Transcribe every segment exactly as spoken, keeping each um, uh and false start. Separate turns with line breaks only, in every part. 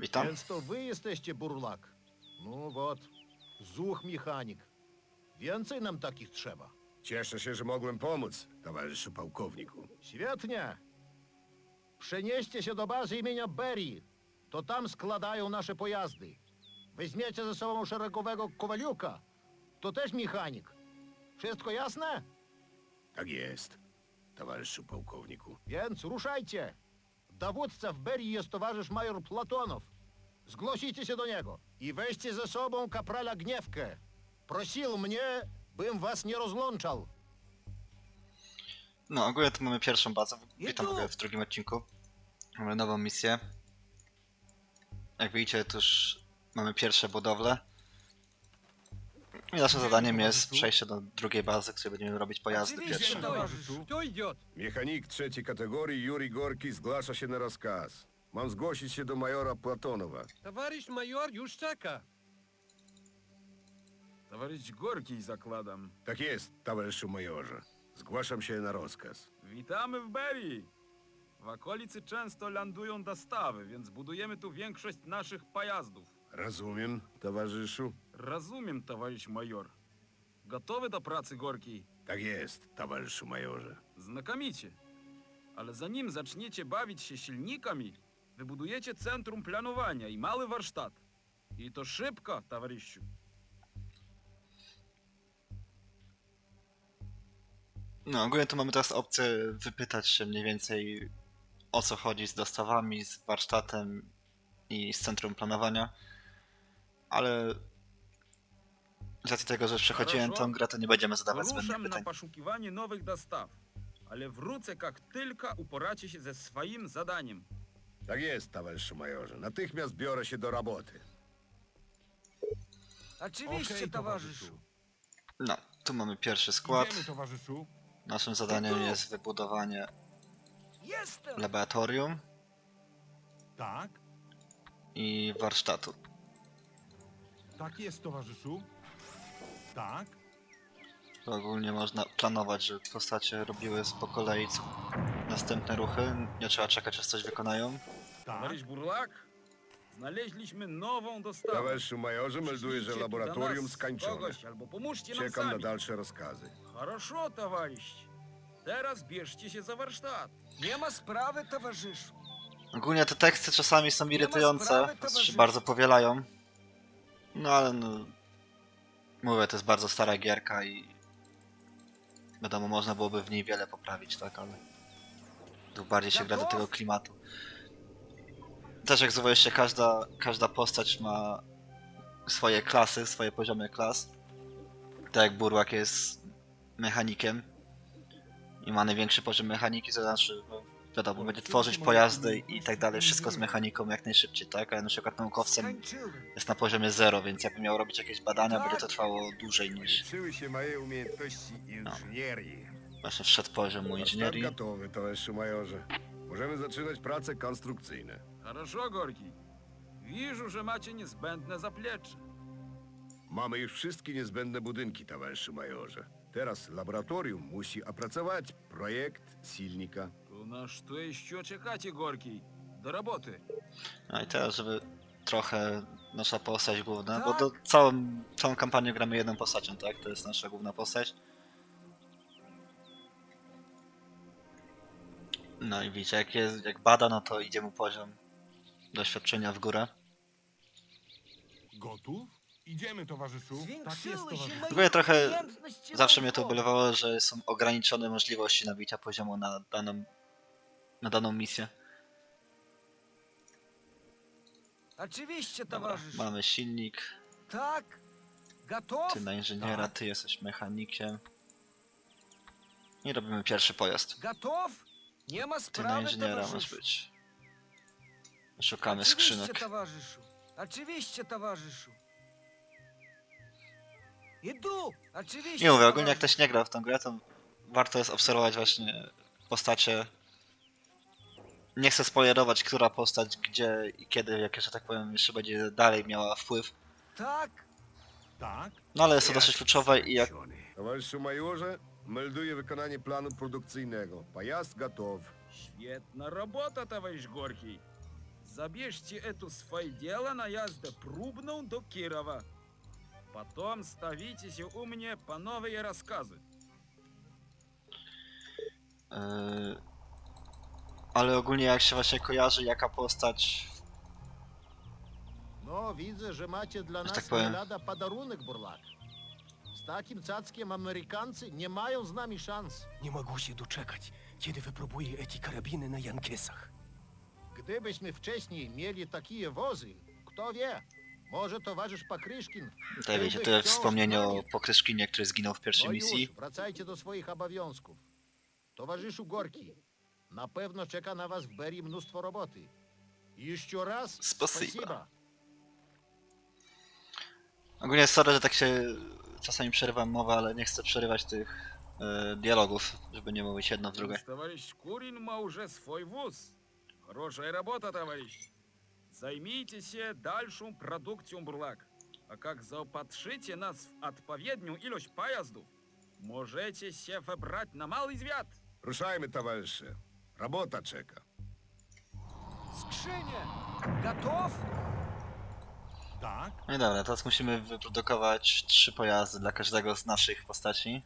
Witam.
Więc to wy jesteście Burlak. No wot, zuch mechanik. Więcej nam takich trzeba.
Cieszę się, że mogłem pomóc, towarzyszu pułkowniku.
Świetnie. Przenieście się do bazy imienia Berry. To tam składają nasze pojazdy. Weźmiecie ze sobą szeregowego Kowaliuka. To też mechanik. Wszystko jasne?
Tak jest, towarzyszu pułkowniku.
Więc ruszajcie. Dowódca w Berry jest towarzysz major Platonow. Zgłosicie się do niego i weźcie ze sobą kaprala Gniewkę. Prosił mnie, bym was nie rozłączał.
No, ogólnie to mamy pierwszą bazę. Witam w ogóle w drugim odcinku. Mamy nową misję. Jak widzicie, to już mamy pierwsze budowle. I naszym zadaniem jest przejście do drugiej bazy, w której będziemy robić pojazdy pierwsze.
Towarzyszu, kto idzie?
Mechanik trzeciej kategorii Juri Gorki zgłasza się na rozkaz. Mam zgłosić się do majora Platonowa.
Towarzysz major już czeka.
Товарищ Горький, zakładam.
Tak jest, towarzyszu majorze. Zgłaszam się na rozkaz.
Witamy w Berry. W okolicy często lądują dostawy, więc budujemy tu większość naszych pojazdów.
Rozumiem, towarzyszu?
Rozumiem, товарищ major. Gotowy do pracy, Gorki?
Tak jest, towarzyszu majorze.
Znakomicie. Ale zanim zaczniecie bawić się silnikami, wybudujecie centrum planowania i mały warsztat. I to szybko, towarzyszu.
No, ogólnie to mamy teraz opcję wypytać się mniej więcej o co chodzi z dostawami, z warsztatem i z centrum planowania. Ale z racji tego, że przechodziłem
Хорошо.
tą grę, to nie będziemy zadawać zbędnych
Wyruszam na
pytań.
poszukiwanie nowych dostaw. Ale wrócę, jak tylko uporacie się ze swoim zadaniem.
Tak jest, towarzyszu majorze. Natychmiast biorę się do roboty.
Oczywiście,
Okej,
towarzyszu.
No, tu mamy pierwszy skład.
Idziemy, towarzyszu.
Naszym zadaniem jest wybudowanie
Jestem!
laboratorium
Tak,
i warsztatu.
tak jest, towarzyszu. Tak,
To ogólnie można planować, żeby postacie robiły po kolei co następne ruchy. Nie trzeba czekać, aż coś wykonają.
tak.
Товарищ Бурлак, znaleźliśmy nową dostawę.
Towarzyszu majorze, melduję, że
Przyślijcie tu do
laboratorium
nas
skończone.
kogoś, albo pomóżcie nam
Czekam na
sami.
dalsze rozkazy.
Хорошо, товарищ. Teraz bierzcie się za warsztat.
Nie ma sprawy, towarzyszu.
Ogólnie te teksty czasami są
ma
irytujące,
sprawy,
znaczy się
towarzyszu.
bardzo powielają. No ale no... Mówię, to jest bardzo stara gierka i... Wiadomo, można byłoby w niej wiele poprawić, tak, ale... Tu bardziej się gra do tego klimatu. Też jak zauważyliście, każda, każda postać ma swoje klasy, swoje poziomy klas. Tak jak Burłak jest mechanikiem i ma największy poziom mechaniki, to znaczy, no, wiadomo, będzie tworzyć pojazdy i tak dalej, wszystko z mechaniką jak najszybciej, tak? A ja na przykład naukowcem
Skończyłem.
jest na poziomie zero, więc jakbym miał robić jakieś badania, będzie to trwało dłużej niż
Liczyły się moje umiejętności inżynierii.
właśnie wszedł poziom mu
Warsztat
inżynierii.
gotowy, towarzyszu majorze. Możemy zaczynać prace konstrukcyjne.
Хорошо, Горький. Widzę, że macie niezbędne zaplecze.
Mamy już wszystkie niezbędne budynki, towarzyszu majorze. Teraz laboratorium musi opracować projekt silnika.
To na co jeszcze czekacie, Gorki? Do roboty.
No i teraz, żeby trochę nasza postać główna, bo
Tak.
do całą, całą kampanię gramy jedną postacią, tak? To jest nasza główna postać. No i widzicie, jak, jest, jak bada, no to idzie mu poziom doświadczenia w górę.
Gotów? Idziemy, towarzyszu. Tak jest,
Zwiększyły się
towarzyszu.
moje
Ogólnie trochę
umiejętności
zawsze mnie to
naukowe.
ubolewało, że są ograniczone możliwości nabicia poziomu na daną, na daną misję.
Oczywiście,
Dobra,
towarzyszu.
mamy silnik,
Tak. Gotów?
ty na inżyniera,
Tak.
ty jesteś mechanikiem. I robimy pierwszy pojazd.
Gotów? Nie ma
Ty na
sprawy,
inżyniera masz
towarzyszu.
być. Szukamy
Oczywiście,
skrzynek.
towarzyszu. Oczywiście, towarzyszu. Idu. Oczywiście,
Nie mówię, ogólnie jak
towarzyszu.
ktoś nie grał w tę grę, to warto jest obserwować właśnie postacie. Nie chcę spoilerować, która postać, gdzie i kiedy, jak że tak powiem, jeszcze będzie dalej miała wpływ.
Tak.
Tak,
No ale jest to dosyć kluczowe i jak...
Towarzyszu majorze, melduję wykonanie planu produkcyjnego. Pojazd gotów.
Świetna robota, товарищ Горький. Забежьте эту свое дело наезда пробную до Кирова. Потом ставитесь у mnie по новые рассказы.
Yy, ale ogólnie jak się właśnie kojarzy, jaka postać...
No, widzę, że macie dla
Że
nas
tak powiem.
nie lada podarunek, Burlak. Z takim cackiem Amerykancy nie mają z nami szans.
Nie mogę się doczekać, kiedy wypróbuję eti karabiny na Jankesach.
Gdybyśmy wcześniej mieli takie wozy, kto wie, może towarzysz Pakryszkin...
Tutaj wiecie,
byłby
to jest
wciąż
wspomnienie
z
o
nami.
Pokryszkinie, który zginął w pierwszej
No
misji.
już, wracajcie do swoich obowiązków. Towarzyszu Gorki, na pewno czeka na was w Berii mnóstwo roboty. Jeszcze raz
Spasiba.
spasiba.
Ogólnie sorry, że tak się czasami przerywam mowę, ale nie chcę przerywać tych e, dialogów, żeby nie mówić jedno w drugie.
Товарищ Курин ma уже свой вуз. Хорошая работа, товарищ. Займитесь дальшим продукцией бурлак. А как заопатрzycie nas w odpowiednią ilość pojazdów, możecie się wybrać na mały zwiat.
Ruszajmy, towarzysze. Robota czeka.
Skrzynie! Gotów?
Tak?
No i dobra, teraz musimy wyprodukować trzy pojazdy dla każdego z naszych postaci.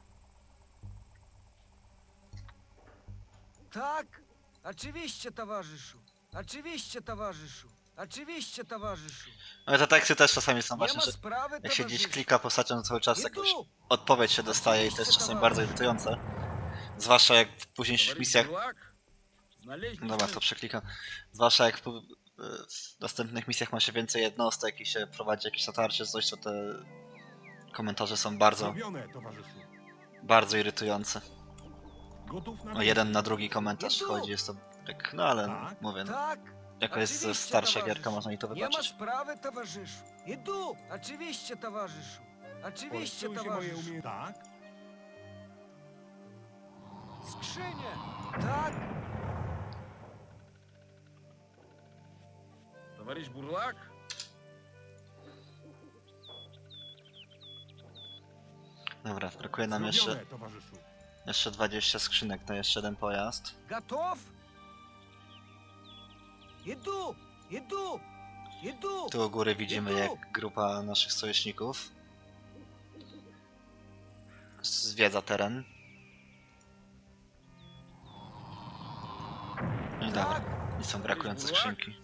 Tak? Oczywiście, towarzyszu. Oczywiście, towarzyszu. Oczywiście, towarzyszu.
Ale te teksty też czasami są
Nie
właśnie,
ma
że
sprawy,
jak się gdzieś
towarzyszu.
klika postacią, to cały czas
Idu!
jakąś odpowiedź się dostaje i to jest czasami bardzo irytujące. Zwłaszcza jak w późniejszych
Товарищ
misjach...
бурлак, znaleźliśmy...
Dobra, to przeklikam. Zwłaszcza jak w, w następnych misjach ma się więcej jednostek i się prowadzi jakieś natarcie, coś, to te komentarze są bardzo,
Zrobione, towarzyszu.
bardzo irytujące.
Gotów na
O jeden na
misję.
drugi komentarz
Idu!
chodzi, jest to tak, no ale
Tak?
mówię, no,
Tak?
jako jest
Oczywiście,
starsza
towarzyszu.
gierka, można i to
Nie ma
wybaczyć.
sprawy, towarzyszu. Idu! Oczywiście, towarzyszu. Oczywiście,
Polepszyły się moje
towarzyszu.
umie... Tak?
Skrzynie! Tak?
Товарищ бурлак,
Dobra, brakuje nam
Zrobione,
jeszcze,
towarzyszu.
jeszcze dwadzieścia skrzynek na jeszcze jeden pojazd.
Gotów? Idu! Idu! Idu!
Tu u góry widzimy,
Idu!
jak grupa naszych sojuszników zwiedza teren. No i dobra,
Tak?
i są brakujące skrzynki.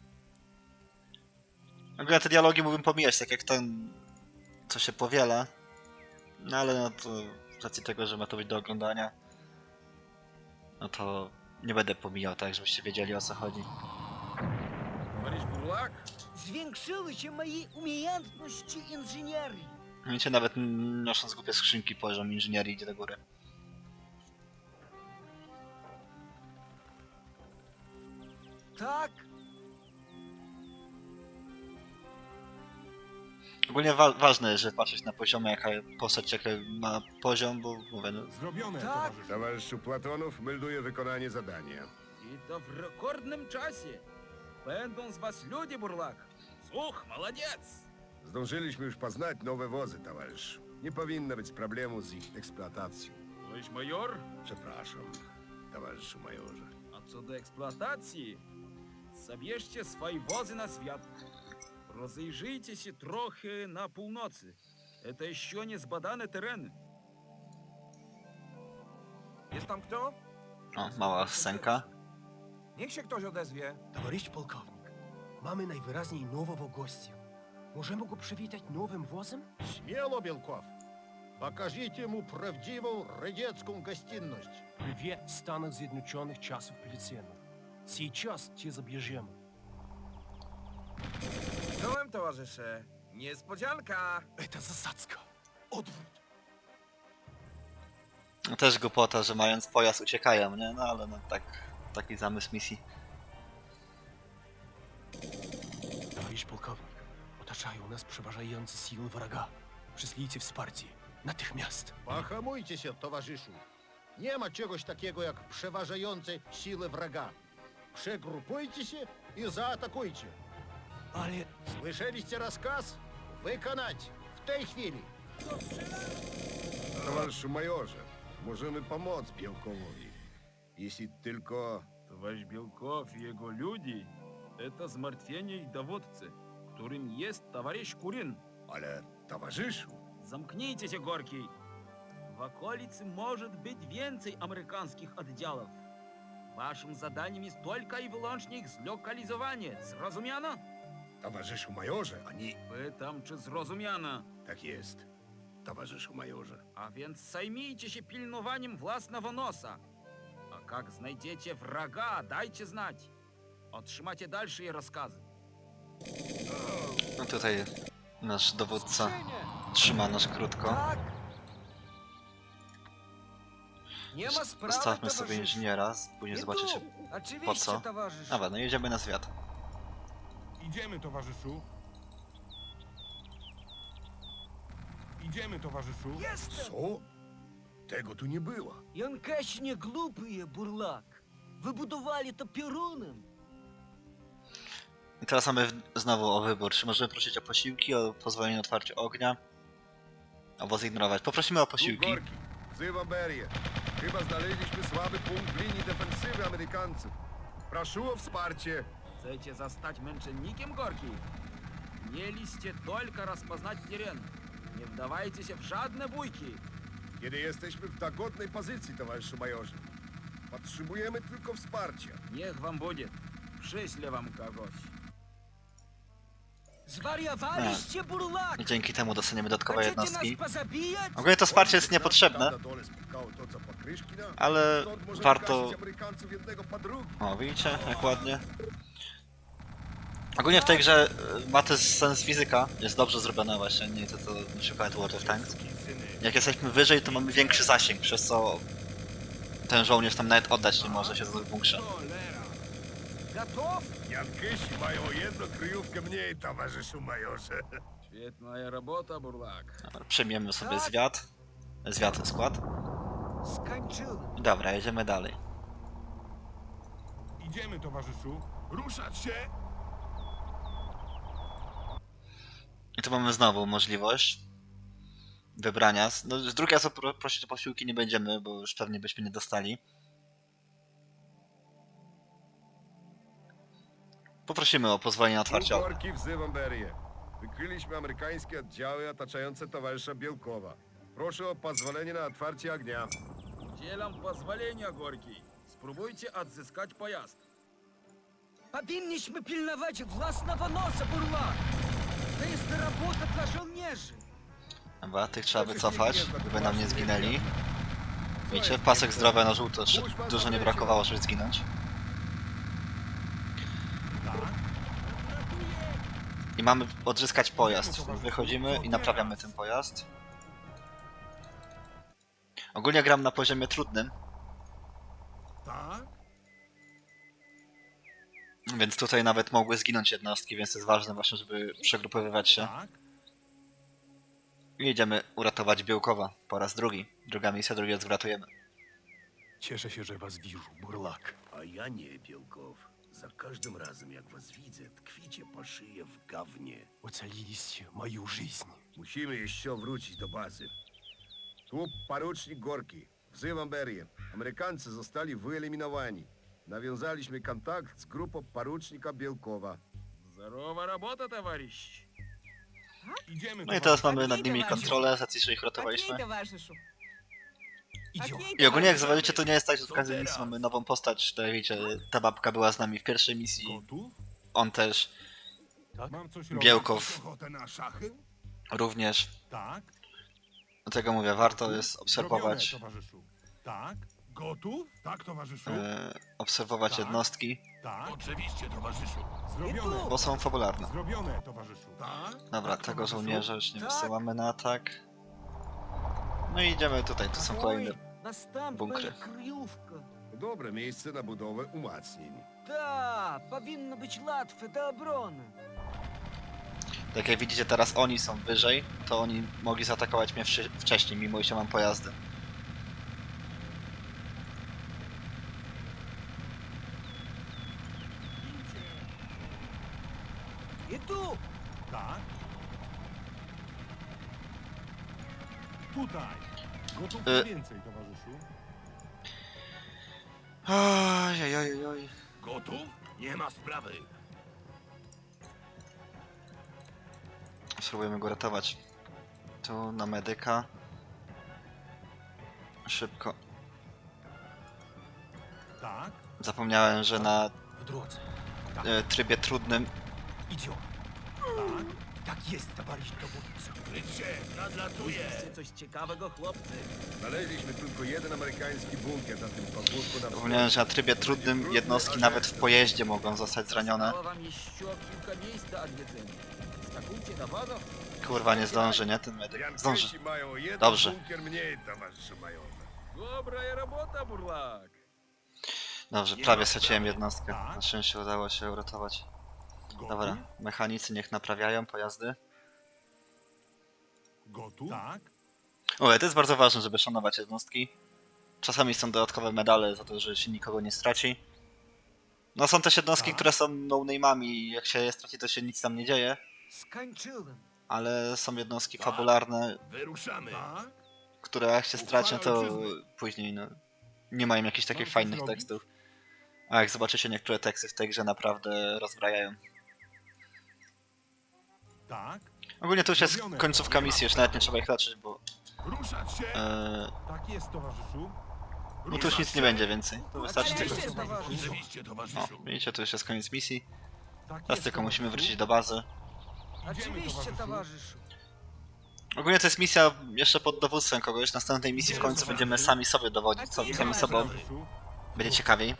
Ogólnie te dialogi mógłbym pomijać, tak jak ten, co się powiela. No ale no to z racji tego, że ma to być do oglądania, no to nie będę pomijał, tak żebyście wiedzieli, o co chodzi.
товарищ бурлак,
Zwiększyły się moje umiejętności inżynierii.
Wiecie, nawet nosząc głupie skrzynki, poziom inżynierii idzie do góry.
Tak?
Ogólnie wa ważne jest, żeby patrzeć na poziomie, jaka postać jaki ma poziom, bo mówię, no,
Zrobione,
Tak.
towarzyszu.
Towarzyszu Platonow melduje wykonanie zadania.
и то в рекордном czasie. Będą z was ludzie, buрлак. Słuch, молодец.
Zdążyliśmy już poznać nowe wozy, towarzyszu. Nie powinno być problemu z ich eksploatacją.
Товарищ майор,
Przepraszam, towarzyszu majorze.
a co do eksploatacji, zabierzcie swoje wozy na świat. Rozejrzyjcie się trochę na północy. Это еще nie zbadane tereny.
Jest tam kto?
o, mała scenka.
Niech się ktoś odezwie.
Товарищ полковник, mamy najwyraźniej nowego gościa. Możemy go przywitać nowym wozem?
Смело, Белков. Покажите ему правдивую рыдецкую гостиность.
Привет Станов Zjednoczonych czasów policyjnych. Сейчас cię zabierzemy.
Czołem, towarzysze. Niespodzianka.
Это zasadzka. Odwrót.
No też głupota, że mając pojazd uciekają, nie? No ale no tak, taki zamysł misji.
Товарищ полковник, otaczają nas przeważające siły wroga. Przyślijcie wsparcie. Natychmiast.
Pohamujcie się, towarzyszu. Nie ma czegoś takiego jak przeważające siły wroga. Przegrupujcie się i zaatakujcie.
Ale
Słyszeliście rozkaz? Wykonać w tej chwili.
Towarzyszu majorze, możemy pomóc Białkowowi. Jeśli tylko...
Товарищ Белков и его люди Это zmartwienie dowódcy, którym jest товарищ Курин.
Ale towarzyszu,
Zamknijcie się, Gorki. W okolicy może być więcej amerykańskich oddziałów. Waszym zadaniem jest tylko i wyłącznie ich zlokalizowanie. Zrozumiano?
towarzyszu majorze, ani...
Pytam, czy zrozumiano.
Tak jest, towarzyszu majorze.
A więc zajmijcie się pilnowaniem własnego nosa. A jak znajdziecie wroga, dajcie znać. Otrzymacie dalsze rozkazy.
No tutaj nasz dowódca
Skrzynie!
trzyma nas krótko.
Tak! Nie ma sprawy,
Zostawmy sobie
towarzyszu.
inżyniera, później
Idu.
zobaczycie
Oczywiście,
po co.
towarzyszu.
Dobra, no jedziemy na zwiat.
Idziemy, towarzyszu. Idziemy, towarzyszu.
Jestem!
Co? Tego tu nie było.
Янкаси не глупые, бурлак. Выбудовали to piorunem.
I teraz mamy w- znowu o wybór. Czy możemy prosić o posiłki, o pozwolenie na otwarcie ognia, albo zignorować. Poprosimy o
Tu
posiłki.
Gorki, wzywam Berię. Chyba znaleźliśmy słaby punkt w linii defensywy Amerykańców. Proszę o wsparcie.
Chcecie zostać męczennikiem, Gorki? Mieliście tylko rozpoznać teren. Nie wdawajcie się w żadne bójki.
Kiedy jesteśmy w dogodnej pozycji, towarzyszu majorze. Potrzebujemy tylko wsparcia.
Niech wam będzie. Przyślę wam kogoś.
Zwariowaliście, buрлак!
I dzięki temu dostaniemy dodatkowe
Chcecie nas
jednostki.
pozabijać?
Ogólnie to wsparcie jest niepotrzebne,
Tam na dole spotkało to, co pokryszki nam.
ale
Stąd możemy
warto...
gasić Amerykańców jednego po drugim.
O, widzicie, jak ładnie. Ogólnie w tej grze y, ma też sens fizyka, jest dobrze zrobiona właśnie, nie to co na przykład World of Tanks. Jak jesteśmy wyżej, to mamy większy zasięg, przez co ten żołnierz tam nawet oddać nie może się w bunkrze.
Готов?
Jankysi mają jedną kryjówkę mniej, towarzyszu majorze.
Świetna robota, Burlak.
Dobra, przyjmiemy sobie zwiat. Zwiat skład.
Skończyłem.
Dobra, jedziemy dalej.
Idziemy, towarzyszu. Ruszać się!
I tu mamy znowu możliwość wybrania. No, z drugiej razu pro, prosić o posiłki nie będziemy, bo już pewnie byśmy nie dostali. Poprosimy o pozwolenie na otwarcie ognia.
Gorki, wzywam Berię. Wykryliśmy amerykańskie oddziały otaczające towarzysza Bielkowa. Proszę o pozwolenie na otwarcie ognia.
Udzielam pozwolenia, Gorki. Spróbujcie odzyskać pojazd.
Powinniśmy pilnować własnego nosa, buрлак. To jest robota dla żołnierzy.
Dobra, tych trzeba wycofać, żeby nam nie zginęli. Widzicie, pasek zdrowia na żółto, jeszcze dużo nie brakowało, żeby zginąć.
Tak?
I mamy odzyskać pojazd. Wychodzimy i naprawiamy ten pojazd. Ogólnie gram na poziomie trudnym,
Tak?
więc tutaj nawet mogły zginąć jednostki, więc jest ważne właśnie, żeby przegrupowywać się.
Tak?
I jedziemy uratować Białkowa po raz drugi. Druga misja, drugi raz wratujemy.
Cieszę się, że was widzę, buрлак.
A ja nie, Bielkow. Za każdym razem, jak was widzę, tkwicie po szyję w gawnie.
Ocaliliście мою жизнь.
Musimy jeszcze wrócić do bazy. Tu porucznik Gorki. Wzywam Berię. Amerykańcy zostali wyeliminowani. Nawiązaliśmy kontakt z grupą porucznika Bielkowa.
Здорова работа, товарищ.
Idziemy,
No i
towarzyszu.
teraz mamy nad nimi kontrolę, z racji, że ich ratowaliśmy. I ogólnie jak zauważycie, to nie jest tak, że w każdej misji mamy nową postać. To jak wiecie, ta babka była z nami w pierwszej misji,
Gotów?
on też,
Mam coś robić?
Białkow
Ochotę na szachy?
również.
Tak?
Dlatego mówię, warto jest obserwować,
Zrobione, towarzyszu. Tak? Gotów? Tak, towarzyszu.
e, obserwować
Tak.
jednostki,
Tak?
Oczywiście, towarzyszu.
Zrobione.
bo są fabularne.
Zrobione, towarzyszu. Tak?
Dobra,
Tak,
tego
towarzyszu.
żołnierza już nie
Tak.
wysyłamy na atak. No i idziemy tutaj, tu są kolejne.
Następna
bunkry.
kryjówka.
Dobre miejsce na budowę umacnień.
Da, powinno być łatwe do obrony.
Tak jak widzicie, teraz oni są wyżej, to oni mogli zaatakować mnie wszy- wcześniej, mimo że mam pojazdy.
Idu!
Tak? Tutaj. Gotów
Y.
na więcej, towarzyszu.
Oj, oj, oj, oj.
Gotów? Nie ma sprawy.
Spróbujemy go ratować. Tu na medyka. Szybko.
Tak?
Zapomniałem, że na
W drodze.
e, trybie trudnym
Idziemy.
Tak?
Tak jest, towarzysz dowódco.
Widzicie coś ciekawego, chłopcy?
Znaleźliśmy tylko jeden amerykański bunkier na tym pagórku na
zapomniałem, że na trybie trudnym jednostki nawet w pojeździe mogą zostać zranione.
Zostało wam jeszcze kilka miejsc do odwiedzenia. Skakujcie do wodu.
Kurwa, nie zdąży, nie? Ten medyk. Zdąży.
Янкейси mają jeden
Dobrze.
bunkier mniej, towarzyszu majorze.
Добрая работа, бурлак.
Dobrze,
Nie
prawie
ma
straciłem
sprawy.
jednostkę.
Tak.
Na szczęście udało się uratować.
Gotów?
Dobra, mechanicy niech naprawiają pojazdy.
Gotów? Tak?
O, to jest bardzo ważne, żeby szanować jednostki. Czasami są dodatkowe medale za to, że się nikogo nie straci. No są też jednostki,
Tak.
które są no-name'ami i jak się je straci, to się nic tam nie dzieje.
Skończyłem.
Ale są jednostki
Tak.
fabularne,
Wyruszamy. Tak?
które jak się straci, to
ojczyzny.
później no, nie mają jakichś takich
Mam
fajnych
coś robić?
tekstów. A jak zobaczycie, niektóre teksty w tej grze naprawdę rozbrajają.
Tak?
Ogólnie to już jest
Zrobione.
końcówka
Nie ma
misji, już
sprawy.
nawet nie trzeba ich leczyć, bo
Ruszać się!
e,
Tak jest, towarzyszu.
no to już nic nie będzie więcej. To wystarczy
Ale
tylko...
jeszcze towarzyszu.
Oczywiście,
O,
towarzyszu.
widzicie, to już jest koniec misji.
Tak
Teraz
jest,
tylko musimy
towarzyszu.
wrócić do bazy.
Oczywiście,
towarzyszu.
towarzyszu.
Ogólnie to jest misja jeszcze pod dowództwem kogoś. W następnej misji w końcu będziemy sami sobie dowodzić, co- sami sobą.
Towarzyszu.
Będzie ciekawiej.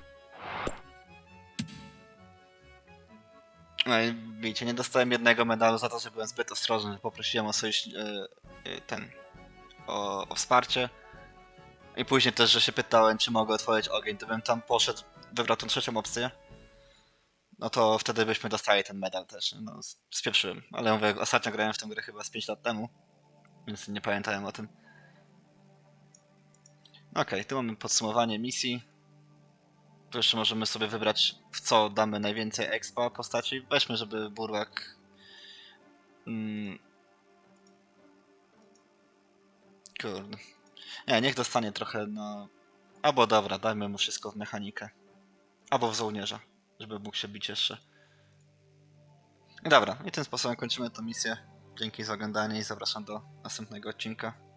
No i widzicie, nie dostałem jednego medalu za to, że byłem zbyt ostrożny, że poprosiłem o sojusz... e, e, ten... O, o wsparcie. I później też, że się pytałem, czy mogę otworzyć ogień, to bym tam poszedł, wybrał tą trzecią opcję. No to wtedy byśmy dostali ten medal też, no spieprzyłem. Ale mówię, ostatnio grałem w tę grę chyba z pięć lat temu, więc nie pamiętałem o tym. Okej, okay, tu mamy podsumowanie misji. Tu jeszcze możemy sobie wybrać, w co damy najwięcej expa postaci. Weźmy, żeby Burłak... Mm... Kurde. Nie, niech dostanie trochę na... Albo dobra, dajmy mu wszystko w mechanikę. Albo w żołnierza, żeby mógł się bić jeszcze. Dobra, i tym sposobem kończymy tę misję. Dzięki za oglądanie i zapraszam do następnego odcinka.